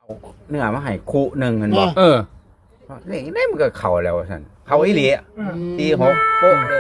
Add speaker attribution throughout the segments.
Speaker 1: เนื้อมาให้คู่หนึ่งมันบอก เลขได้มันก็เข่าแล้วท่านเข่าอีหลีตีหกโป๊ะเลย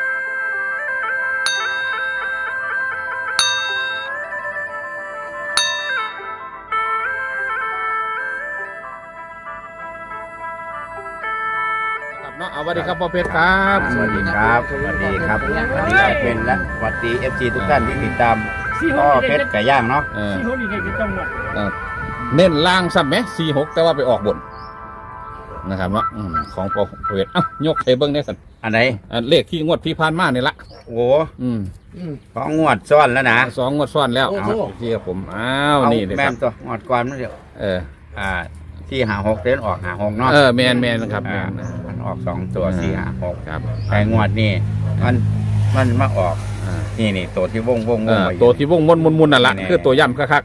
Speaker 2: เนาะเอาสวัสดีครับพ่อเพชรครับ
Speaker 1: สวัสดีครับสวัสดีครับสวัสดีครับเป็นและสวัสดี FC ทุกท่านที่ติดตามพ่อเพชรไก่ย่างเนาะ
Speaker 3: ที่เขาดีในจังหวัด
Speaker 2: เน้นล่างซ้ำไหม46แต่ว่าไปออกบนนะครับเนาะของพ่อเพชรยกให้เบิ้งได้สัน
Speaker 1: อันไหน
Speaker 2: เลขที่งวดที่ผ่านมานี่ละ
Speaker 1: โอ้ของงวดซ้อนแล้วนะ
Speaker 2: 2 งวดซ้อนแล้วเอาที่ครับผมนี่เลย
Speaker 1: แม่
Speaker 2: ครับ
Speaker 1: นตัวงวดก่อนนั่นเดียวที่หาหกเดินออกหาหกเนาะ
Speaker 2: แมนครับแมน
Speaker 1: มันออก2 ตัว4 5 6
Speaker 2: ครับ
Speaker 1: แต่งวดนี่มันมาออกนี่ตัวที่วงไว้
Speaker 2: ตัวที่วงมุนนั่นละคือตัวย่ำคัก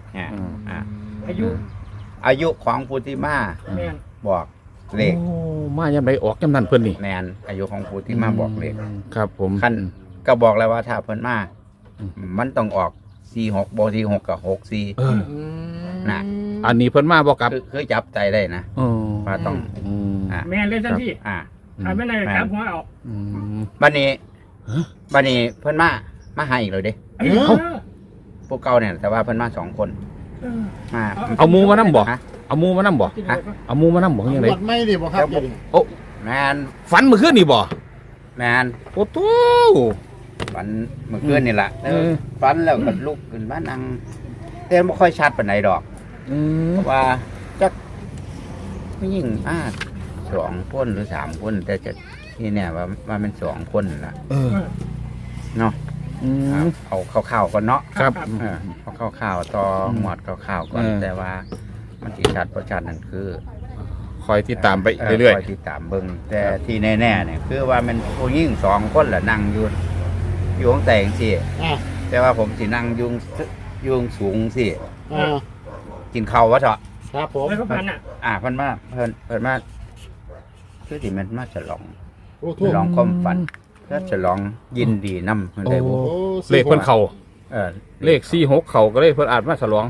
Speaker 1: อายุของพุทธิมา
Speaker 3: แม่น
Speaker 1: บอกเลข
Speaker 2: มาย่ำไปออกย่ำนั่นเพื่อนนี่
Speaker 1: แมนอายุของพุทธิมาบอกเลข
Speaker 2: ครับผม
Speaker 1: ขั้นก็บอกแล้วว่าถ้าเพิ่นมามันต้องออก46บ่46กับ64นะ
Speaker 2: อันนี้เพิ่นมาบอกกับ
Speaker 1: คือจับใจได้นะว่าต้อง
Speaker 3: แม่นเลยทันที ไม่ได้ครับหัวออก
Speaker 1: บัดนี้เพิ่นมาหาอีกเลยเด้พวกเก่าเนี่ยแต่ว่าเพิ่นมา2 คนมา
Speaker 2: เอาหมูมานั่บอกเอาหมูมานั่บอก
Speaker 1: ฮะ
Speaker 2: เอาหมูมานั่บอกยังไง
Speaker 4: หมดไม่ดิบ่ครับ
Speaker 2: โอ้
Speaker 1: แมน
Speaker 2: ฝันเมื่อคืนนี่บ่
Speaker 1: แมน
Speaker 2: โอ้โห
Speaker 1: ฝันเมื่อคืนนี่แหละฝันแล้วก็ลุกขึ้นมานั่งแต่ไม่ค่อยชัดปานใดดอกเพราะว่าจักผู้หญิง2 คนหรือ3 คนแต่จะที่เนี่ยว่ามัน2 คนล่ะเนาะเอาข้าวๆก่อนเนาะ
Speaker 2: ครับ
Speaker 1: เอาข้าวๆต่อหมวดข้าวๆก่อนแต่ว่ามันสิชัดประชัดนั่นคือ
Speaker 2: คอยที่ตามไปเรื่อย
Speaker 1: คอยติดตามเบิ่งแต่ที่แน่ๆเนี่ยคือว่ามันผู้หญิง2 คนแหละนั่งอยู่ข้างแต่งสิแต่ว่าผมสินั่งยุงสูงสิกินข้าววะเถอะ
Speaker 4: ครับผม
Speaker 3: แล้วก็พัน
Speaker 1: เพิ่นมาคือที่มันมาฉลอง
Speaker 4: โอ้โห
Speaker 1: ฉลองความฝันก็ฉลองยินดีนำเพิ่นได้บ่
Speaker 2: ๆเลขเพิ่นเข่าเลข46เข่าก็เลยเพิ่นอาจมาฉลอง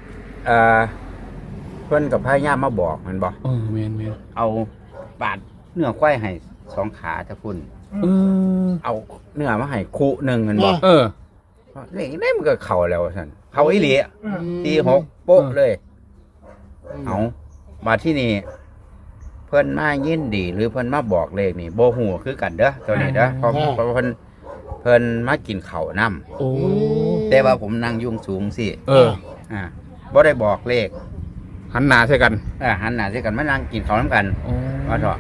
Speaker 1: เพิ่นกับพายามมาบอกมันบอก
Speaker 2: แม่น
Speaker 1: เอาปาดเนื้อควายให้2 ขาจะพุ่นเอาเนื้อมาให้คู่หนึ่งมันบอกเลขได้มันก็เข่าแล้วท่านเข่าอีหลีตี6โป๊ะเลยเอามาที่นี่เพิ่นมายินดีหรือเพิ่นมาบอกเลขนี่โบหูคือกันเด้อตัวนี้เด้อเพราะเพิ่นมากินข้าวน้ำแต่ว่าผมนั่งยุ่งสูงสิบ่ได้บอกเลข
Speaker 2: หันหน้าใส่กัน
Speaker 1: หันหน้าใส่กันมานั่งกินข้าวน้ำกันว่าเถอะ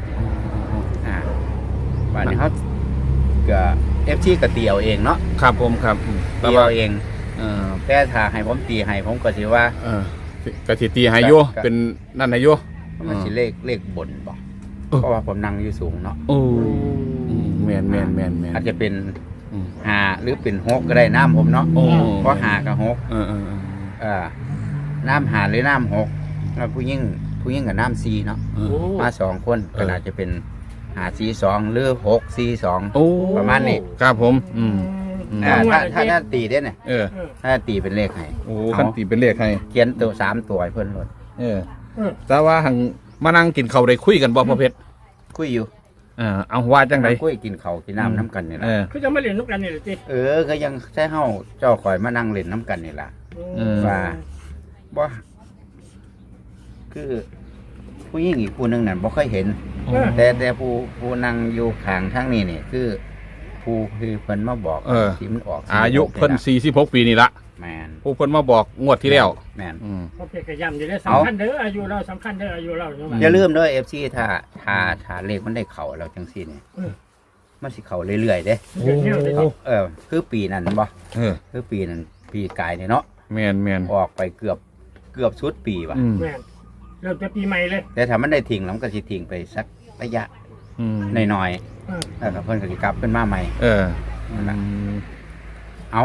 Speaker 1: วันนี้เขาก็FCก็ตีเอาเองเนาะ
Speaker 2: ครับผมครับ
Speaker 1: ตีเอาเองแต่ถ้าให้ผมตีให้ผมก็สิว่าก
Speaker 2: ะสิตีให้โยเป็นนั่นให้โย
Speaker 1: มันสิเลขบนบอกเพราะว่าผมนั่งอยู่สูงเนาะ
Speaker 2: แม่น
Speaker 1: อาจจะเป็น5หรือเป็น6ก็ได้น้ำผมเนาะเพราะ5กับ6น้ำ5หรือน้ำ6แล้วผู้ยิ่งกับน้ำ4เนาะมา2 คนก็อาจจะเป็น5 4 2หรือ6 4 2ประมาณนี้
Speaker 2: ครับผม
Speaker 1: ถ้าตีได้เนี่ยถ้าตีเป็นเลขให้
Speaker 2: คันตีเป็นเลขให้
Speaker 1: เขียนตัว3 ตัวให้เพิ่นหมด
Speaker 2: แต่ว่าหังมานั่งกินข้าวได้คุยกันบ่พ่อเพชร
Speaker 1: คุยอยู่
Speaker 2: เอาว่าจังได๋
Speaker 1: คุยกินข้าวกินน้ำน้ำกันนี่แหละ
Speaker 3: คือจะไม่เรียนลูกกันนี่หรือจี
Speaker 1: ก็ยังใช้เฮาเจ้าข่อยมานั่งเล่นน้ำกันนี่แหละว่าบ่คือผู้หญิงอีกผู้หนึงนั่นบ่เคยเห็นแต่ผู้นั่งอยู่ข้างทางนี้นี่คือผู้คือเพิ่นมาบอกที่มันออก
Speaker 2: อายุเพิ่น46 ปีนี่ละ
Speaker 1: แมน
Speaker 2: ผู้เพิ่นมาบอกงวดที่แล้ว
Speaker 1: แมน
Speaker 3: โอเคกระยำอยู่ได้สำคัญเด้ออายุเราสำคัญเด้ออายุเรา
Speaker 1: อย่าลืมเด้อ FC ถ้าเลขมันได้เข้าแล้วจังซี่นี่มันสิเข้าเรื่อยๆเด้คือปีนั้นบ่คือปีนั้นปีกายนี่เนาะ
Speaker 2: แม่น
Speaker 1: ออกไปเกือบสุดปีว่ะ
Speaker 3: แม่นเราจะปีใหม่เลย
Speaker 1: แต่ถ้ามันได้ทิ้งแล้วมันก็สิทิ้งไปสักระยะน้อยๆแล้วก็เพิ่นก็สิกลับขึ้นมาใหม่นั่นล่ะเอา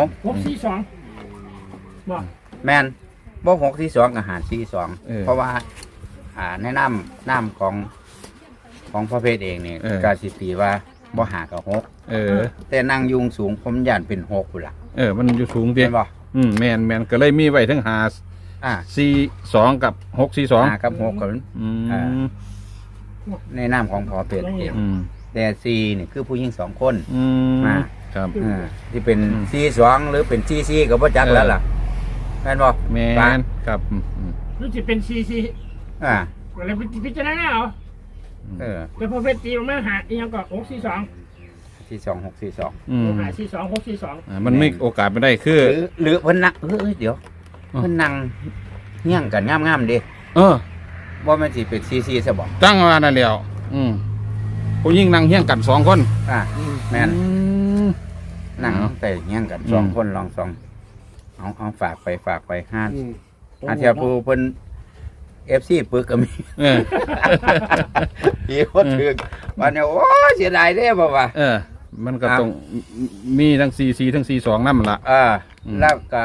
Speaker 3: 642บอก
Speaker 1: แม่นบ่6ที่2กับหารที่2เพราะว่าในน้ำของพระเพทเองนี่ก็สิตีว่าบ่หากับ6แต่นั่งยุงสูงผมย่านเป็น6พุ่นล่ะ
Speaker 2: มันอยู่สูงติ
Speaker 1: แม่นบ่
Speaker 2: แม่นก็เลยมีไว้ทั้ง 42กับ642
Speaker 1: 5กับ6กับ
Speaker 2: อื
Speaker 1: อ่า
Speaker 2: ม
Speaker 1: ในนามของพอเป็ดเอง
Speaker 2: อืม
Speaker 1: แต่4นี่คือผู้หญิง2คน
Speaker 2: อืม
Speaker 1: มา
Speaker 2: ครับ
Speaker 1: ที่เป็น42หรือเป็น44ก็บ่จักแล้วล่ะแม่นบ่
Speaker 2: แม่
Speaker 1: ปะ
Speaker 2: นครับอืม
Speaker 3: รู้สึกเป็นซี
Speaker 1: อ่า
Speaker 3: อะไรพิจารณาเอา
Speaker 1: เออ
Speaker 3: แต่พอเพชรตีออกมาหาอีกอย่างก็642
Speaker 1: 42 642
Speaker 2: อืม
Speaker 3: หา42 642
Speaker 2: มันไม่โอกาสไม่ได้คือ
Speaker 1: หรือเพิ่นนั่งเดี๋ยวเพิ่นนั่งเฮี้ยงกันงามๆเด้
Speaker 2: เออ
Speaker 1: บ่แม่นสิเป็น44ซะบ่
Speaker 2: ตั้งมานั่นแล้วผู้ยิ่งนั่งเฮี้ยงกัน2คน
Speaker 1: อ่าแม่น
Speaker 2: อืม
Speaker 1: นั่ง
Speaker 2: เอา
Speaker 1: แต่เฮี้ยงกัน
Speaker 2: อืม
Speaker 1: 2คนลองเอาฝากไปห้าเทียผู้เพิ่น FC ปึกก็มี
Speaker 2: เออ
Speaker 1: พี่คนถึงวันนี้โอ้ยเสียดายเด้บ่ว่า
Speaker 2: เออ มันก็ต้องมีทั้ง44ทั้ง42นั่นละ อืม
Speaker 1: แล้วก็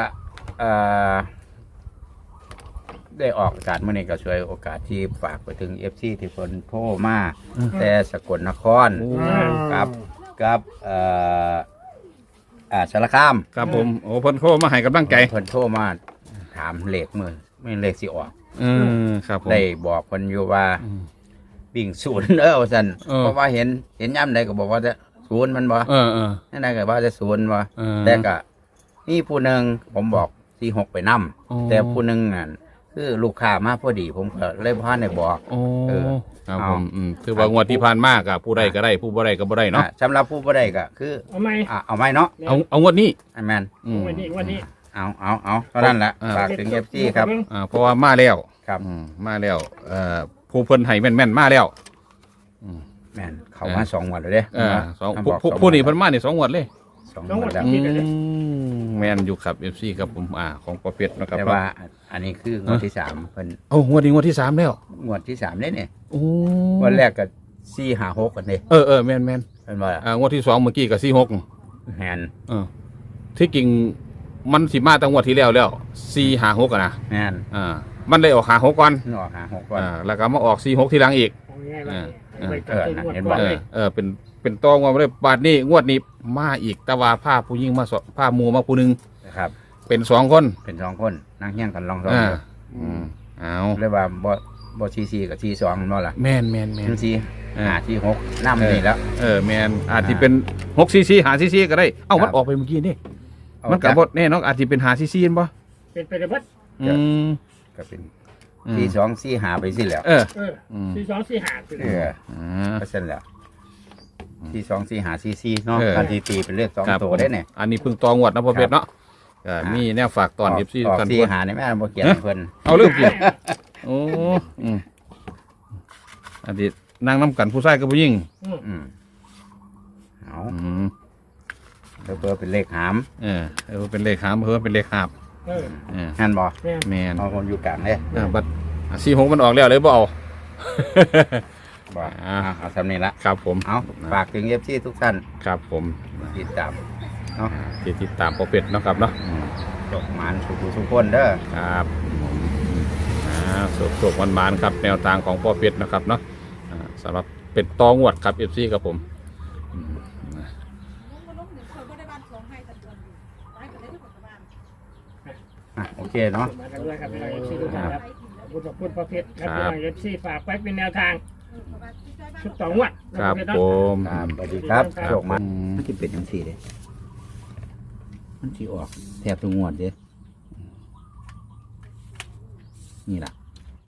Speaker 1: ได้ออกอากาศเมื่อนี้ก็ช่วยโอกาสที่ฝากไปถึง FC ที่เพิ่นโทรมาแต่สกลนครกับสารคาม
Speaker 2: ครับผมโอ้เพิ่นโทรมาให้กำลังใจ
Speaker 1: เพิ่นโทรมาถามเลขมือไม่เลขสิออก
Speaker 2: ครับผม
Speaker 1: ได้บอกเพิ่นอยู่ว่า
Speaker 2: อืม
Speaker 1: วิ่งศูนย์ว่าซั่น
Speaker 2: เออ
Speaker 1: เพราะว่าเห็นย่ำใดก็บอกว่าจะศูนย์มันบ่
Speaker 2: เออ
Speaker 1: นั่นใดก็ว่าจะศูนย์บ่
Speaker 2: เออ
Speaker 1: แต่ก็นี่ผู้หนึ่งผมบอก46ไปนํ
Speaker 2: อ๋อ
Speaker 1: แต่ผู้หนึ่งนั่นคือลูกค้ามาพอดีผมก็เลยพาได้บอก
Speaker 2: โอ้
Speaker 1: เออ
Speaker 2: ครับ
Speaker 1: เอา
Speaker 2: ผมถือว่างวดที่ผ่านมากอะผู้ใดก็ได้ผู้บ่ได้ก็บ่ได้เนาะ
Speaker 1: สำหรับผู้บ่ได้ก็คือ
Speaker 3: เอาไหม
Speaker 1: เอาไม้เนาะ
Speaker 2: เอางวดนี้
Speaker 1: อันแม่น
Speaker 3: วันนี้
Speaker 1: เอาเท่านั้นแหละ
Speaker 2: อ่า
Speaker 1: ฝากถึง FC ครับ
Speaker 2: เพราะว่ามาแล้ว
Speaker 1: ครับ
Speaker 2: มาแล้วผู้เพิ่นให้แม่นๆมาแล้ว
Speaker 1: แม่นเข้ามา2วันแล้วเด้
Speaker 2: สอง
Speaker 1: บอก
Speaker 2: ผู้นี้เพิ่นมานี่2งวดเลย
Speaker 1: 2วันแล้ว
Speaker 2: แม่นอยู่ครับ FC ครับผมของประเภทนะครับ
Speaker 1: แต่ว่าอันนี้คืองวดที่3เพิ่น
Speaker 2: เอางวดนี้งวดที่3แล้ว
Speaker 1: งวดที่3เด้เนี่ย
Speaker 2: โอ้
Speaker 1: วันแรกก็4 5 6กันเด้
Speaker 2: แม่น
Speaker 1: เพิ่นว่า
Speaker 2: งวดที่2เมื่อกี้ก็46
Speaker 1: แม่น
Speaker 2: ที่จริงมันสิมาตั้งงวดที่แล้ว4 5 6อ่ะนะ
Speaker 1: แม่น
Speaker 2: มันเลยออก5 6ก่อน
Speaker 1: ออก5 6ก่อน
Speaker 2: แล้วก็มาออก4 6ทีหลังอีก เป็นตองว่าเลยบาทนี้งวดนี้มาอีกแต่ว่าผ้าผู้ยิ่งมาผ้ามูมาผู้หนึง
Speaker 1: นะครับ
Speaker 2: เป็น2คน
Speaker 1: เป็น2คนนั่งเฮี้ยงกันลอง
Speaker 2: เอา
Speaker 1: เรียกว่าบ่44กับ42นั่นบ่ล่ะ
Speaker 2: แม่น
Speaker 1: มัน4 5 4 6นำนี่แล้ว
Speaker 2: แม่นอาจจะเป็น6 cc 5 cc ก็ได้เอ้ามันออกไปเมื่อกี้นี่มันกับบทแน่นอนอาจจะเป็น5 cc บ่
Speaker 3: เป็นไปได้บัด
Speaker 1: ก็เป็น42 4 5ไปสิแล้ว
Speaker 3: 42 45คือ
Speaker 1: ก็เส้นแล้ว42 4 5 4เนาะการตีเป็นเลข2ตัวได้เนี่ย
Speaker 2: อันนี้เพิ่งตองวดนะพ่อเพชรเนาะมีแนวฝากตอน FC
Speaker 1: ออก
Speaker 2: กัน
Speaker 1: 4 5นี่แม่บ่เขียนให้เพิ่น
Speaker 2: เอาเรื่องจริงโอ้อันนี้นางน้ำกันผู้ชายกับผู้หญิง
Speaker 1: เอา
Speaker 2: อืม
Speaker 1: เพิ่นเป็นเลขหาม
Speaker 2: เป็นเลขหามเพิ่มเป็นเลขหาบ
Speaker 1: งั้นบ่
Speaker 2: แมน
Speaker 1: เอาคนอยู่กลางเด้
Speaker 2: บัด46มันออกแล้วเลยบ่เอา
Speaker 1: บ่เอาสำนี้ละ
Speaker 2: ครับผม
Speaker 1: เอาฝากถึง FC ทุกท่าน
Speaker 2: ครับผม
Speaker 1: ติดตามเนาะ
Speaker 2: ที่ติดตามพ่อเป็ดเนาะครับเนาะ
Speaker 1: จกหมานทุกคนเด้อ
Speaker 2: ครับสุกๆมันๆครับแนวทางของพ่อเป็ดนะครับเนาะสำหรับเป็ดตองวดครับ FC ครับผม
Speaker 1: โอเคเนาะ
Speaker 3: มากันด้วยครับเอฟซีทุกท่านครับขอบคุณประเภทครับเอฟซีฝากไว้เป็นแนวทางชุดต่องวด
Speaker 2: ครับผม
Speaker 1: ครับสวัสดีครับโชคมันมันจะเป็นจังซี่เด้มันสิออกแทบทุกงวดเด้นี่ล่ะ